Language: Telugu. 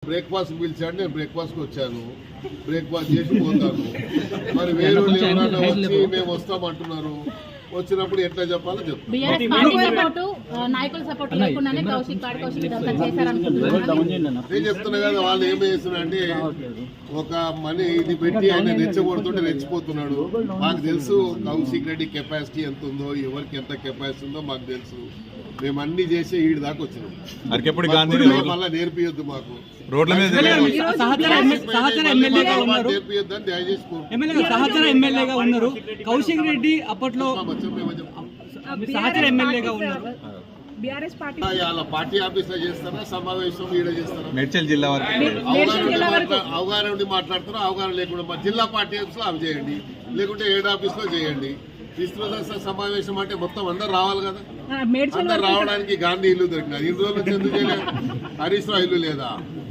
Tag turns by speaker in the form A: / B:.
A: బ్రేక్ఫాస్ట్ పిలిచాడు, నేను బ్రేక్ఫాస్ట్కి వచ్చాను, బ్రేక్ఫాస్ట్ చేసి పోతాను. మరి వేరే ఎవరైనా వచ్చి మేము వస్తామంటున్నారు, వచ్చినప్పుడు ఎట్లా చెప్పాలో చెప్తాను. నేను చెప్తున్నా కదా, వాళ్ళు ఏం చేస్తున్నారంటే ఒక మనీ ఇది పెట్టి ఆయన రెచ్చగొడుతుంటే రెచ్చిపోతున్నాడు. మాకు తెలుసు కౌశిక్ రెడ్డి కెపాసిటీ ఎంత ఉందో, ఎవరికి ఎంత కెపాసిటీ ఉందో మాకు తెలుసు. మేము అన్ని చేసి ఈడి దాకా వచ్చినాం. మళ్ళీ నేర్పియొద్దు మాకు, నేర్పియొద్దని దయచేసి
B: సహచర ఎమ్మెల్యేగా ఉన్నారు కౌశిక్ రెడ్డి, అప్పట్లో సహచర ఎమ్మెల్యేగా ఉన్నారు.
A: పార్టీ ఆఫీస్ లో చేస్తారా, సమావేశం ఈడ చేస్తారా?
C: మేడ్చల్ జిల్లా
A: అవగాహన ఉండి మాట్లాడుతారా, అవగాహన లేకుండా జిల్లా పార్టీ ఆఫీస్ లో అవి చేయండి, లేకుంటే ఏడు ఆఫీస్ లో చేయండి. విస్తృత సమావేశం అంటే మొత్తం అందరు రావాలి కదా. అందరు రావడానికి గాంధీ ఇల్లు దొరికినది. ఇన్ని రోజులు ఎందుకు చేయలేదు? హరీష్ రావు ఇల్లు లేదా?